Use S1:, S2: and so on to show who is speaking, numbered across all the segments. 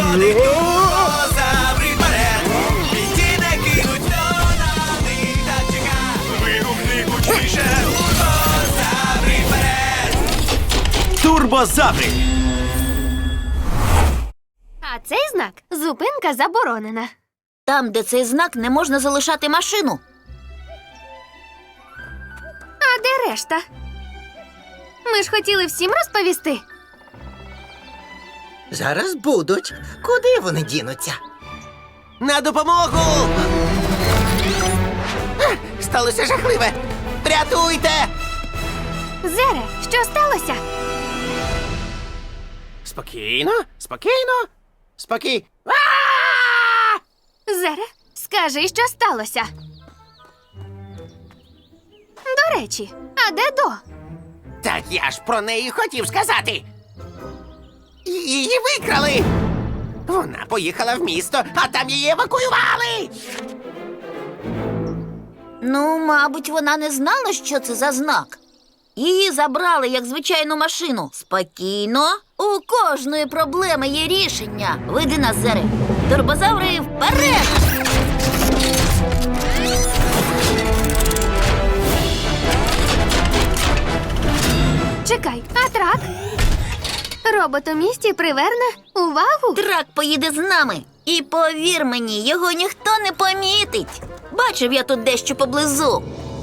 S1: ходить турбозаври вперед. Ті не кинуть, хто на них так чека. Вигукни гучніше, турбозаври вперед. Турбозаври.
S2: А цей знак – зупинка заборонена.
S3: Там, де цей знак, не можна залишати машину.
S2: А де решта? Ми ж хотіли всім розповісти.
S4: Зараз будуть. Куди вони дінуться?
S1: На допомогу!
S4: Сталося жахливе! Рятуйте!
S2: Зере, що сталося?
S1: Спокійно, спокійно, спокій.
S2: Зере, скажи, що сталося. До речі, а де До?
S4: Так я ж про неї хотів сказати. Її викрали. Вона поїхала в місто, а там її евакуювали.
S3: Ну, мабуть, вона не знала, що це за знак. Її забрали, як звичайну машину. Спокійно. У кожної проблеми є рішення. Веди нас, Зере. Турбозаври вперед!
S2: Чекай, а трак? Робот у місті приверне увагу?
S3: Трак поїде з нами. І повір мені, його ніхто не помітить. Бачив я тут дещо поблизу.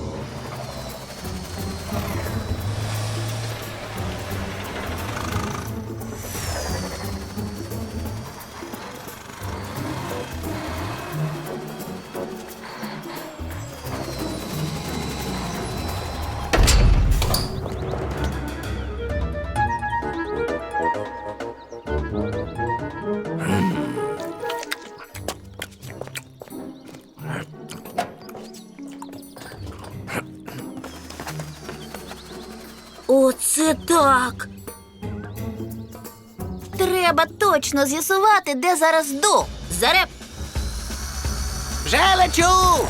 S3: Оце так. Треба точно з'ясувати, де зараз До. Заре,
S4: Вже лечу!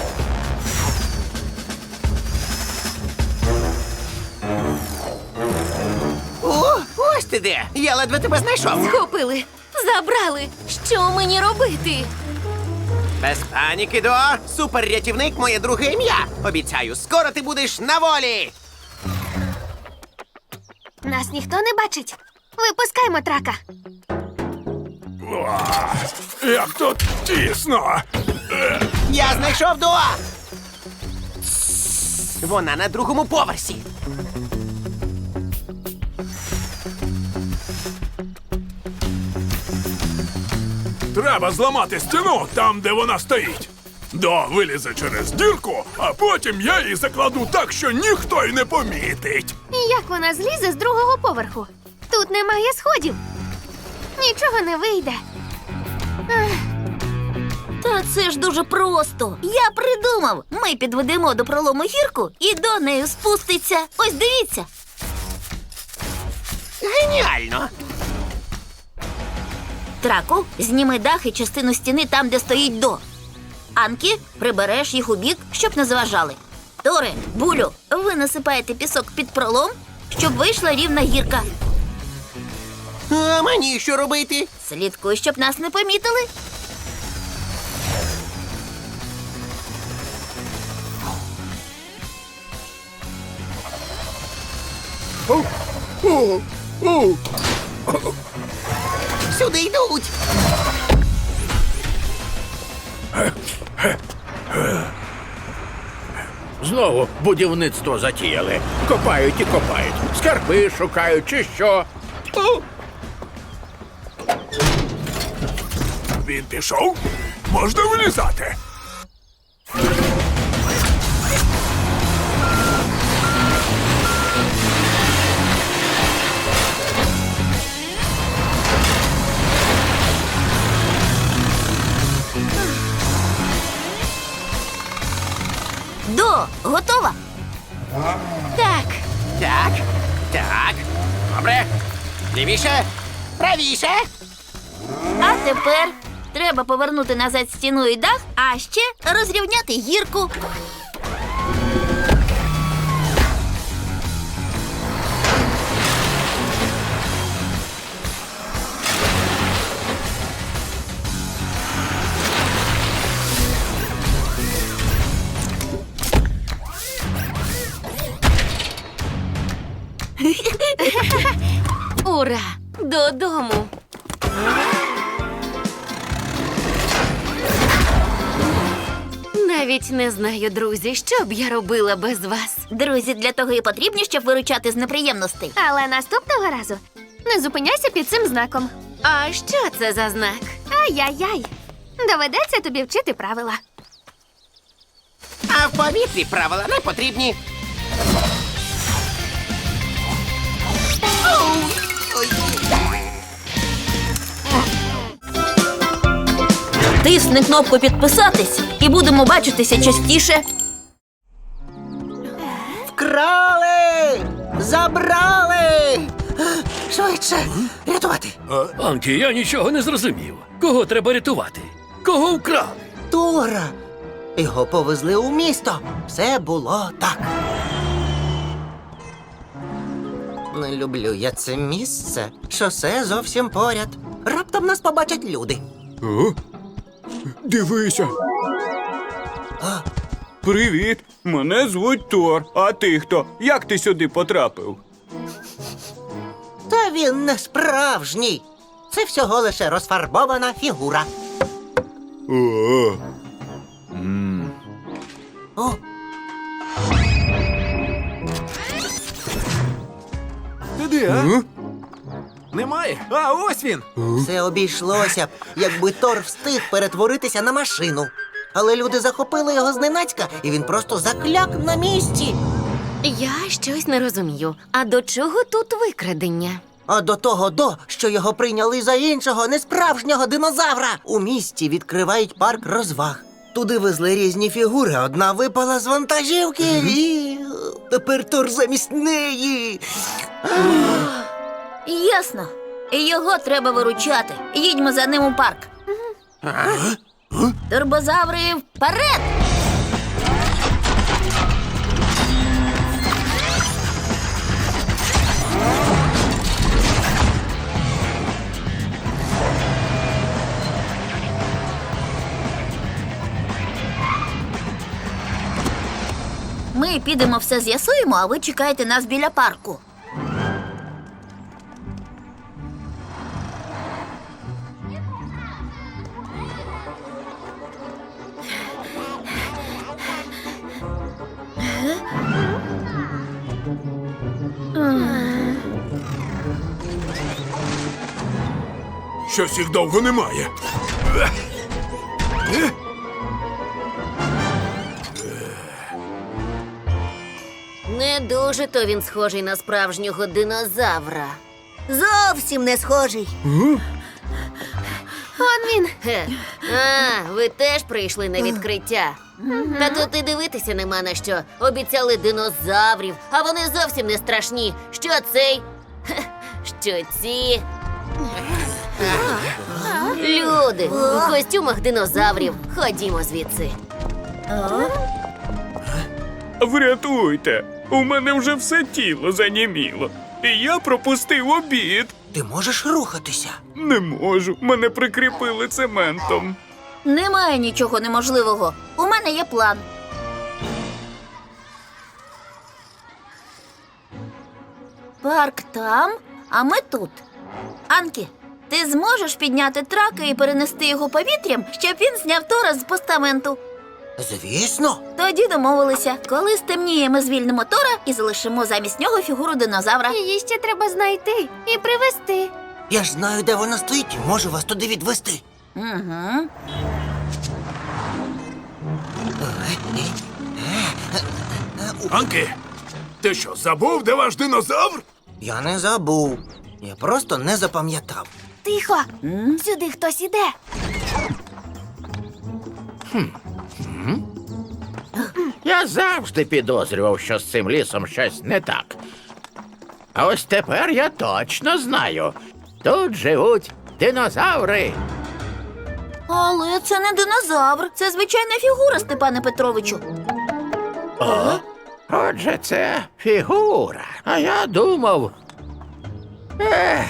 S4: О, ось ти де! Я ледве тебе знайшов.
S2: Схопили, забрали. Що мені робити?
S4: Без паніки, До. Суперрятівник – моє друге ім'я. Обіцяю, скоро ти будеш на волі.
S2: Нас ніхто не бачить. Випускаймо трака.
S5: Як тут тісно.
S4: Я знайшов До. Вона на другому поверсі.
S5: Треба зламати стіну там, де вона стоїть. До вилізе через дірку, а потім я її закладу так, що ніхто й не помітить.
S2: І як вона злізе з другого поверху? Тут немає сходів. Нічого не вийде.
S3: та це ж дуже просто. Я придумав. Ми підведемо до пролому гірку і до неї спуститься. Ось дивіться.
S4: Геніально!
S3: Траку, зніми дах і частину стіни там, де стоїть До. Анкі, прибереш їх у бік, щоб не заважали. Торе, Булю, ви насипаєте пісок під пролом, щоб вийшла рівна гірка.
S4: А мені що робити?
S3: Слідкуй, щоб нас не помітили.
S4: Сюди йдуть!
S6: Знову будівництво затіяли. Копають і копають. Скарби шукають чи що.
S5: Він пішов? Можна вилізати.
S3: До, готова?
S2: Так,
S4: Так, так. Добре. Лівіше, правіше.
S3: А тепер треба повернути назад стіну і дах, а ще розрівняти гірку.
S2: Ура! Додому! Навіть не знаю, друзі, що б я робила без вас.
S3: Друзі, для того і потрібні, щоб виручати з неприємностей.
S2: Але наступного разу не зупиняйся під цим знаком. А що це за знак? Ай-яй-яй. Доведеться тобі вчити правила.
S4: А в повітрі правила не потрібні.
S3: Тисни кнопку підписатись і будемо бачитися частіше.
S1: Вкрали! Забрали! Швидше! Рятувати!
S7: Анкі, я нічого не зрозумів. Кого треба рятувати? Кого вкрали?
S1: Тора! Його повезли у місто. Все було так. Не люблю я це місце. Шосе зовсім поряд. Раптом нас побачать люди.
S8: Дивися. Привіт, мене звуть Тор. А ти хто? Як ти сюди потрапив?
S1: Та він не справжній. Це всього лише розфарбована фігура. О,
S9: Ти де, а? Немає? А, ось він!
S1: все обійшлося б, якби Тор встиг перетворитися на машину. Але люди захопили його зненацька, і він просто закляк на місці.
S2: Я щось не розумію. А до чого тут викрадення?
S1: А до того, що його прийняли за іншого, несправжнього динозавра. У місті відкривають парк розваг. Туди везли різні фігури, одна випала з вантажівки і тепер Тор замість неї.
S3: Ясно. Його треба виручати. Їдьмо за ним у парк. Турбозаври вперед! Ми підемо все з'ясуємо, а ви чекайте нас біля парку.
S5: Щось їх довго немає.
S2: Не дуже то він схожий на справжнього динозавра.
S3: Зовсім не схожий.
S2: Он він. А, ви теж прийшли на відкриття. Та тут і дивитися нема на що. Обіцяли динозаврів, а вони зовсім не страшні. Що цей? Що ці? Люди у костюмах динозаврів. Ходімо звідси.
S8: Врятуйте! У мене вже все тіло заніміло. І я пропустив обід.
S1: Ти можеш рухатися.
S8: Не можу, мене прикріпили цементом.
S3: Немає нічого неможливого. У мене є план. Парк там, а ми тут. Анкі, ти зможеш підняти трака і перенести його повітрям, щоб він зняв Тора з постаменту?
S1: Звісно.
S3: Тоді домовилися. Коли стемніє, ми звільнимо Тора і залишимо замість нього фігуру динозавра.
S2: Її ще треба знайти і привезти.
S1: Я ж знаю, де вона стоїть. Можу вас туди відвести.
S3: Угу.
S5: Анкі, ти що, забув, де ваш динозавр?
S1: Я не забув. Я просто не запам'ятав.
S2: Тихо! Сюди хтось іде.
S6: Я завжди підозрював, що з цим лісом щось не так. А ось тепер я точно знаю. Тут живуть динозаври.
S3: Але це не динозавр, це звичайна фігура, Степане Петровичу.
S6: Отже, це фігура. А я думав. Ех.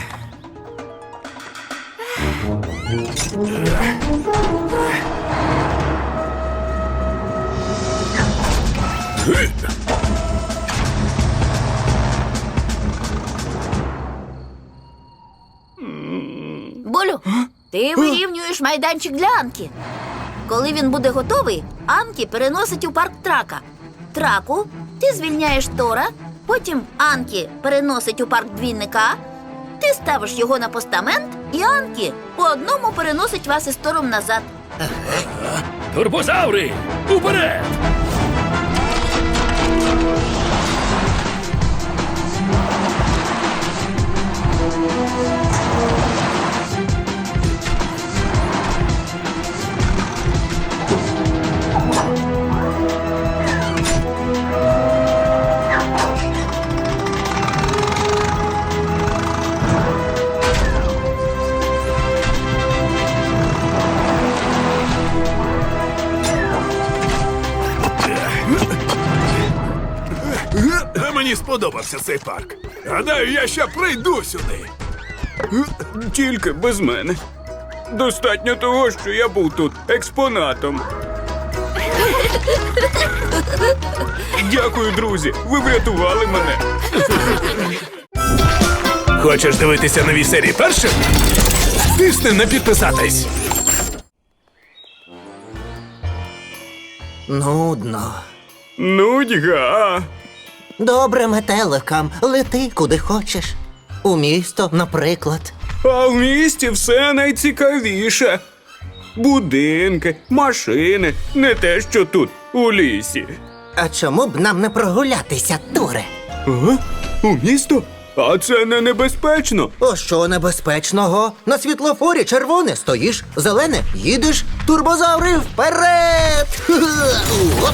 S3: Булю, ти вирівнюєш майданчик для Анкі. Коли він буде готовий, Анкі переносить у парк Трака. Траку ти звільняєш Тора, потім Анкі переносить у парк Двійника, ти ставиш його на постамент, і Анкі по одному переносить вас із Тором назад.
S7: Турбозаври! Уперед!
S5: Мені сподобався цей парк. Гадаю, я ще прийду сюди.
S8: Тільки без мене. Достатньо того, що я був тут експонатом. Дякую, друзі. Ви врятували мене.
S5: Хочеш дивитися нові серії першим? Тисни на підписатись.
S1: Нудно.
S8: Нудьга.
S1: Добре, метеликам, лети куди хочеш. У місто, наприклад.
S8: А в місті все найцікавіше. Будинки, машини, не те, що тут, у лісі.
S1: А чому б нам не прогулятися, Туре?
S8: Ага? У місто? А це не небезпечно.
S1: О, що небезпечного? На світлофорі червоне стоїш, зелене їдеш, турбозаври вперед! Оп!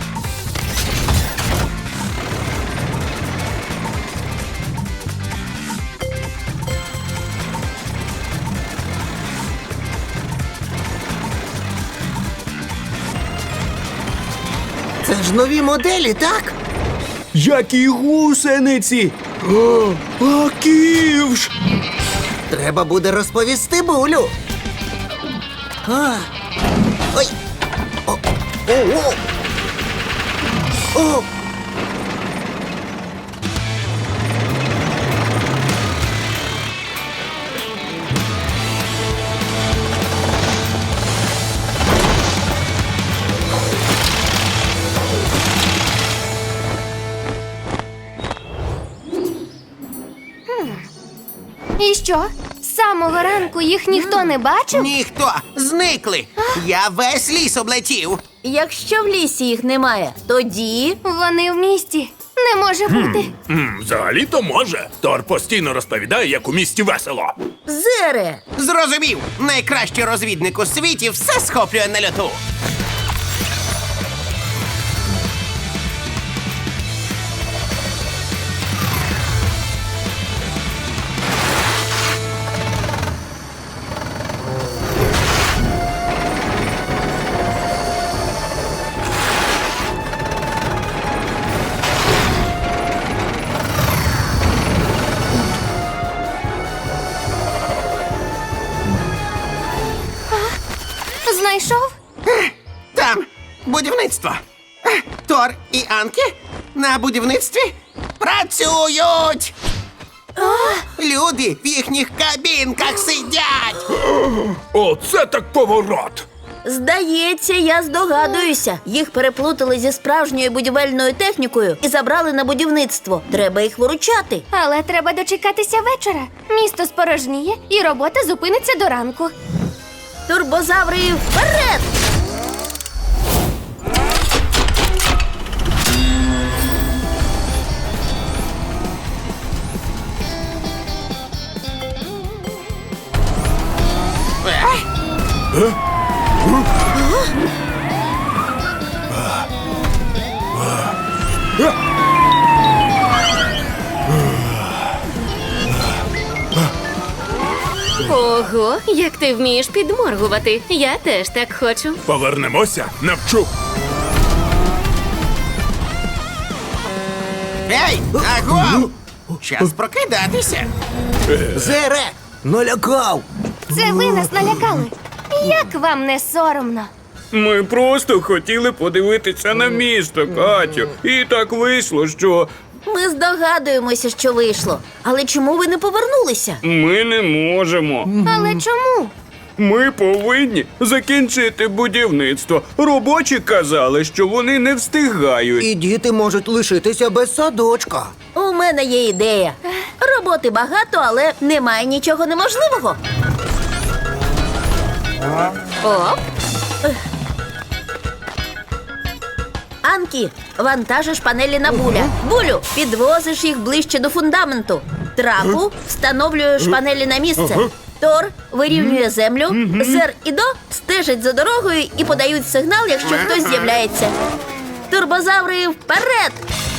S1: Це ж нові моделі, так?
S8: Які гусениці! О, а ківш!
S1: Треба буде розповісти Булю. А. Ой. О. О. О.
S10: І що? З самого ранку їх ніхто не бачив?
S4: Ніхто! Зникли! Я весь ліс облетів!
S3: Якщо в лісі їх немає, тоді
S10: Вони в місті. Не може бути.
S5: Взагалі-то може. Тор постійно розповідає, як у місті весело.
S3: Зере!
S4: Зрозумів! Найкращий розвідник у світі все схоплює на льоту!
S10: Знайшов?
S4: Там будівництво. Тор і Анкі на будівництві працюють. Люди в їхніх кабінках сидять.
S5: Оце так поворот!
S3: Здається, я здогадуюся. Їх переплутали зі справжньою будівельною технікою і забрали на будівництво. Треба їх виручати.
S10: Але треба дочекатися вечора. Місто спорожніє і робота зупиниться до ранку.
S3: Турбозаври вперед!
S2: Ого, як ти вмієш підморгувати. Я теж так хочу.
S5: Повернемося, навчу.
S4: Ей, агов! Час прокидатися.
S1: Зере! Налякав!
S10: Це ви нас налякали. Як вам не соромно?
S8: Ми просто хотіли подивитися на місто, Катю. І так вийшло, що
S3: Ми здогадуємося, що вийшло. Але чому ви не повернулися?
S8: Ми не можемо.
S10: Але чому?
S8: Ми повинні закінчити будівництво. Робочі казали, що вони не встигають.
S1: І діти можуть лишитися без садочка.
S3: У мене є ідея. Роботи багато, але немає нічого неможливого.
S2: Оп,
S3: Анкі, вантажиш панелі на Буля. Булю, підвозиш їх ближче до фундаменту. Траку, встановлюєш панелі на місце. Тор вирівнює землю. Зер і До стежать за дорогою і подають сигнал, якщо хтось з'являється. Турбозаври вперед!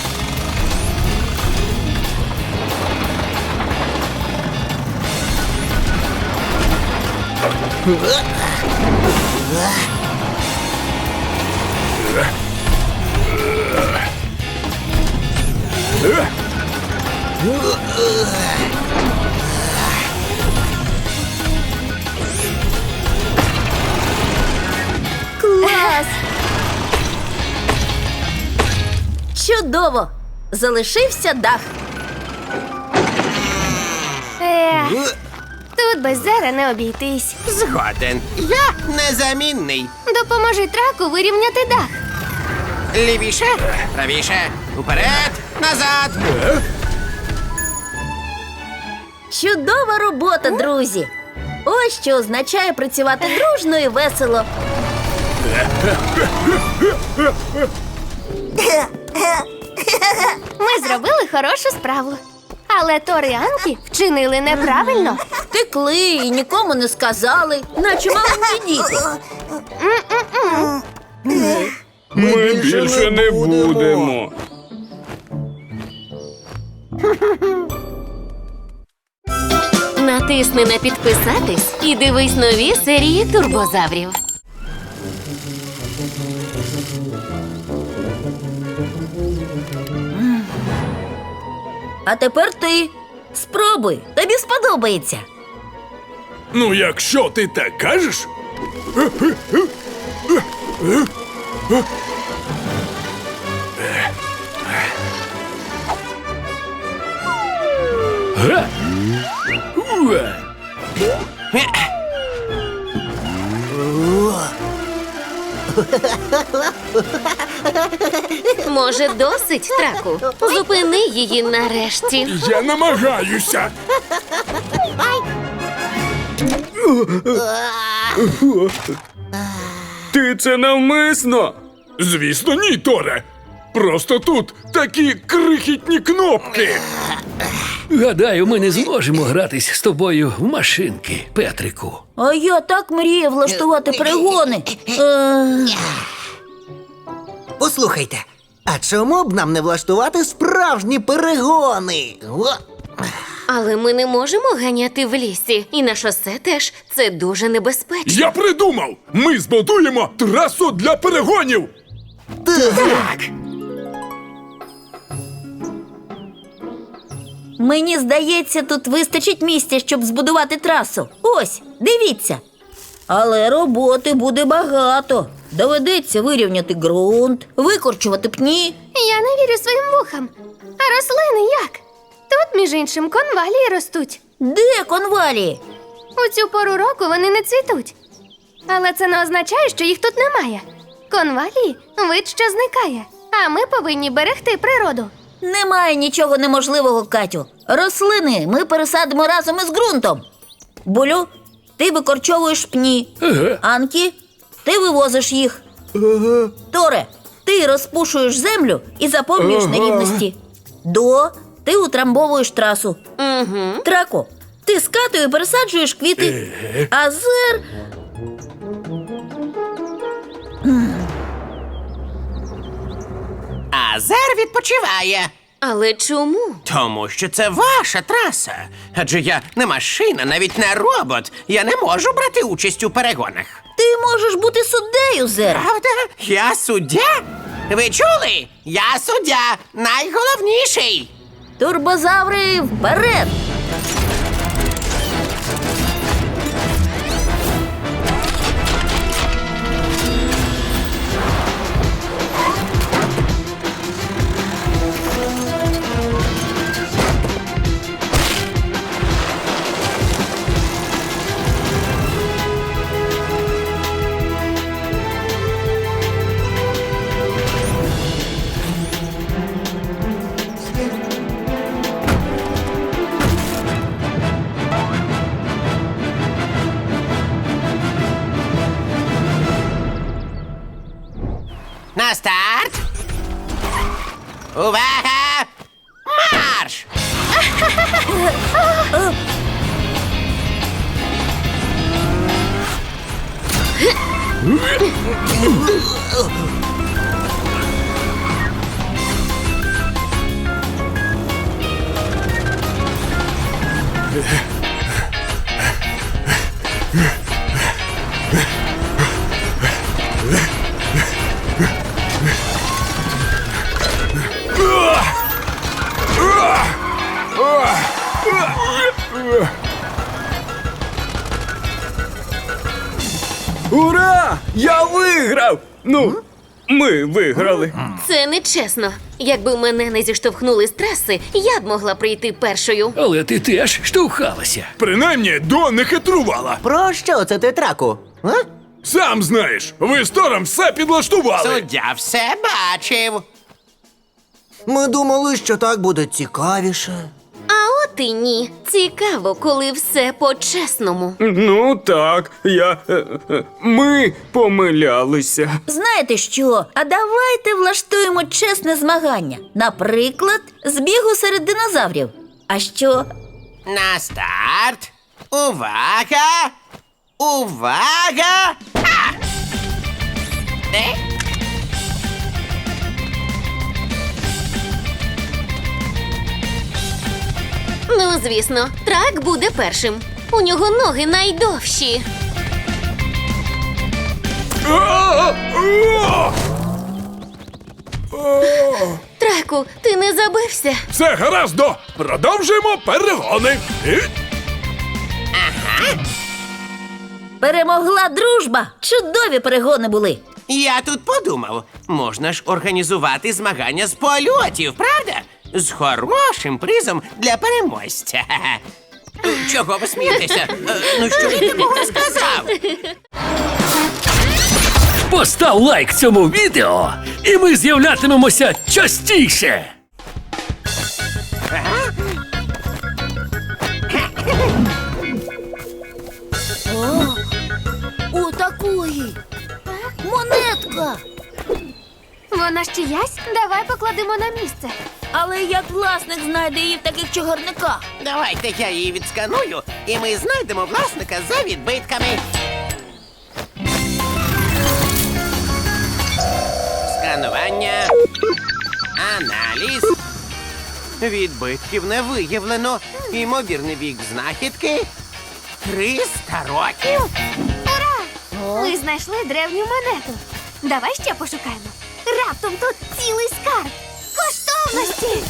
S3: Клас! Чудово! Залишився дах.
S10: Тут без Зера не обійтись.
S4: Згоден. Я незамінний.
S10: Допоможи траку вирівняти дах.
S4: Лівіше, правіше, уперед, назад.
S3: Чудова робота, друзі! Ось що означає працювати дружно і весело.
S10: Ми зробили хорошу справу. Але Тор і Анкі вчинили неправильно.
S3: Втекли і нікому не сказали, наче маленькі діти.
S8: Ми більше не будемо.
S2: натисни на підписатись і дивись нові серії турбозаврів.
S3: А тепер ти. Спробуй, тобі сподобається.
S5: Ну, якщо ти так кажеш.
S7: Га! Уа!
S2: Може, досить, траку? Зупини її нарешті.
S5: Я намагаюся.
S8: Ти це навмисно?
S5: Звісно, ні, Торе. Просто тут такі крихітні кнопки.
S7: Гадаю, ми не зможемо гратись з тобою в машинки, Петрику.
S3: А я так мріяв влаштувати перегони.
S1: Послухайте, а чому б нам не влаштувати справжні перегони?
S2: Але ми не можемо ганяти в лісі. І на шосе теж це дуже небезпечно.
S5: Я придумав! Ми збудуємо трасу для перегонів!
S3: Мені здається, тут вистачить місця, щоб збудувати трасу. Ось, дивіться. Але роботи буде багато. Доведеться вирівняти ґрунт, викорчувати пні.
S10: Я не вірю своїм вухам. А рослини як? Тут, між іншим, конвалії ростуть.
S3: Де конвалії?
S10: У цю пору року вони не цвітуть. Але це не означає, що їх тут немає. Конвалії – вид, що зникає. А ми повинні берегти природу.
S3: Немає нічого неможливого, Катю. Рослини ми пересадимо разом із ґрунтом. Булю, ти викорчовуєш пні.
S7: Ага.
S3: Анкі, ти вивозиш їх. Торе, ти розпушуєш землю і заповнюєш нерівності. До, ти утрамбовуєш трасу. Трако, ти скатою пересаджуєш квіти. А Зер...
S4: А Зер відпочиває.
S2: Але чому?
S4: Тому що це ваша траса. Адже я не машина, навіть не робот. Я не можу брати участь у перегонах.
S3: Ти можеш бути суддею, Зер.
S4: Правда? Я суддя? Ви чули? Я суддя, найголовніший.
S3: Турбозаври вперед!
S4: На старт! Увага! Марш!
S8: Ура! Я виграв! Ну, ми виграли.
S2: Це нечесно. Якби мене не зіштовхнули з траси, я б могла прийти першою.
S7: Але ти теж штовхалася.
S5: Принаймні, До не хитрувала.
S1: Про що це ти, траку? А?
S5: Сам знаєш, ви з Тором все підлаштували.
S4: Суддя все бачив.
S1: Ми думали, що так буде цікавіше.
S2: А от і ні. Цікаво, коли все по-чесному.
S8: Ну так, ми помилялися.
S3: Знаєте що? А давайте влаштуємо чесне змагання. Наприклад, збігу серед динозаврів. А що?
S4: На старт! Увага! Увага! А!
S2: Ну, звісно, трак буде першим. У нього ноги найдовші. Траку, ти не забився?
S5: Все гаразд, До. Продовжуємо перегони.
S3: Перемогла дружба! Чудові перегони були.
S4: Я тут подумав, можна ж організувати змагання з польотів, правда? З хорошим призом для переможця. Чого ви смієтеся? Ну що я такого сказав?
S7: Постав лайк цьому відео, і ми з'являтимемося частіше.
S3: У такої монетка.
S10: Вона ж чиясь? Давай покладемо на місце.
S3: Але як власник знайде її в таких чогарниках?
S4: Давайте я її відсканую, і ми знайдемо власника за відбитками. Сканування. Аналіз. Відбитків не виявлено. Ймовірний вік знахідки 300 років.
S10: Ми знайшли древню монету. Давай ще пошукаємо. Раптом тут цілий скарб. Коштовності!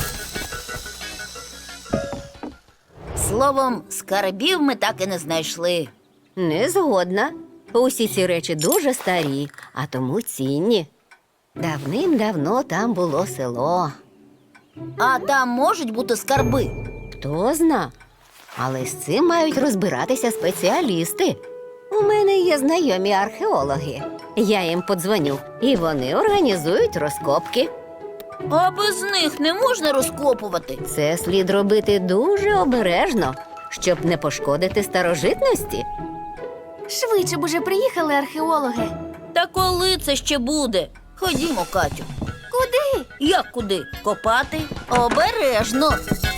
S3: Словом, скарбів ми так і не знайшли.
S2: Не згодна. Усі ці речі дуже старі, а тому цінні. Давним-давно там було село.
S3: А там можуть бути скарби.
S2: Хто зна. Але з цим мають розбиратися спеціалісти. У мене є знайомі археологи. Я їм подзвоню, і вони організують розкопки.
S3: А без них не можна розкопувати.
S2: Це слід робити дуже обережно, щоб не пошкодити старожитності.
S10: Швидше б уже приїхали археологи.
S3: Та коли це ще буде? Ходімо, Катю.
S10: Куди?
S3: Як куди? Копати? Обережно.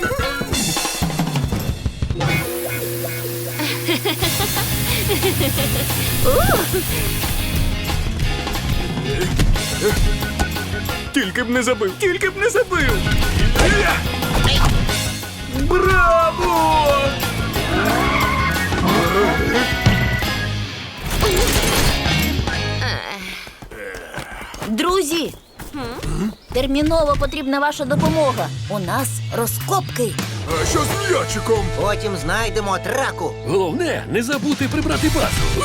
S8: Тільки б не забив, тільки б не забив. Браво!
S3: Друзі, терміново потрібна ваша допомога. У нас розкопки.
S5: А що з м'ячиком?
S1: Потім знайдемо траку.
S7: Головне, не забути прибрати базу.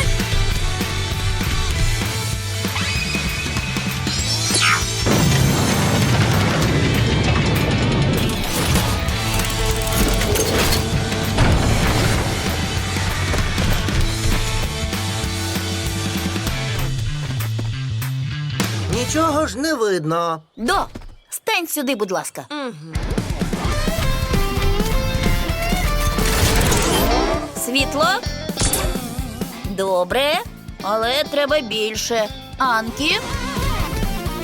S1: Нічого ж не видно.
S3: До, стань сюди, будь ласка. Світло. Добре, але треба більше. Анкі.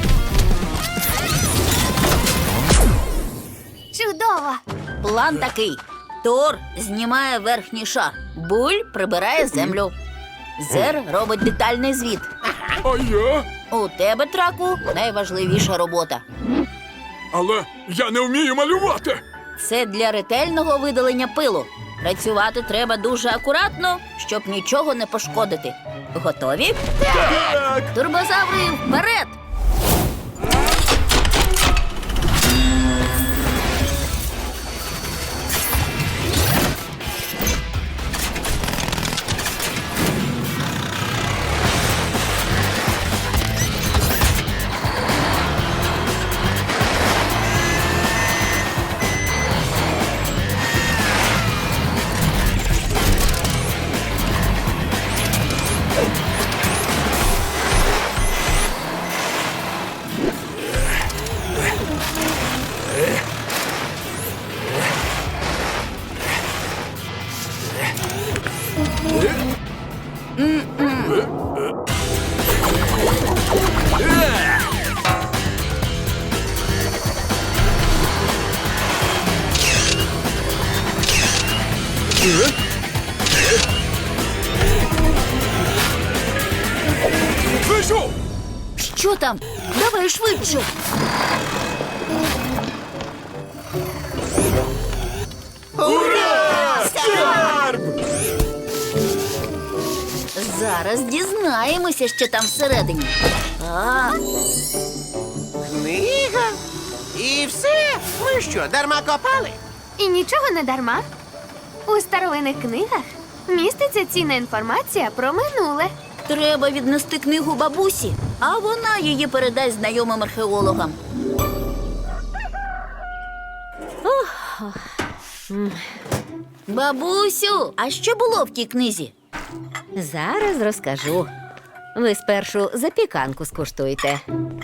S3: План такий. Тор знімає верхній шар, Буль прибирає землю. Зер робить детальний звіт.
S5: А я?
S3: У тебе, Траку, найважливіша робота.
S5: Але я не вмію малювати.
S3: Це для ретельного видалення пилу. Працювати треба дуже акуратно, щоб нічого не пошкодити. Готові? Так! Турбозаври, вперед!
S5: Вийшов!
S3: Що там? Давай швидше! Зараз дізнаємося, що там всередині.
S4: Книга? І все? Ми що, дарма копали?
S10: І нічого не дарма. У старовинних книгах міститься цінна інформація про минуле.
S3: Треба віднести книгу бабусі, а вона її передасть знайомим археологам. Бабусю, а що було в тій книзі?
S2: Зараз розкажу. Ви спершу запіканку скуштуйте.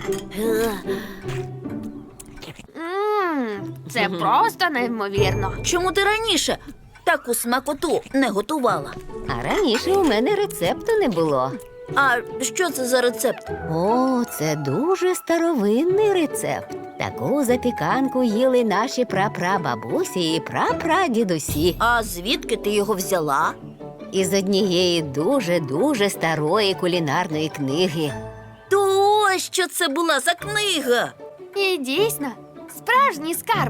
S10: Це просто неймовірно.
S3: Чому ти раніше таку смакоту не готувала?
S2: А раніше у мене рецепту не було.
S3: А що це за рецепт?
S2: О, це дуже старовинний рецепт. Таку запіканку їли наші прапрабабусі і прапрадідусі.
S3: А звідки ти його взяла?
S2: Із однієї дуже-дуже старої кулінарної книги.
S3: То ось що це була за книга.
S10: І дійсно, справжній скарб.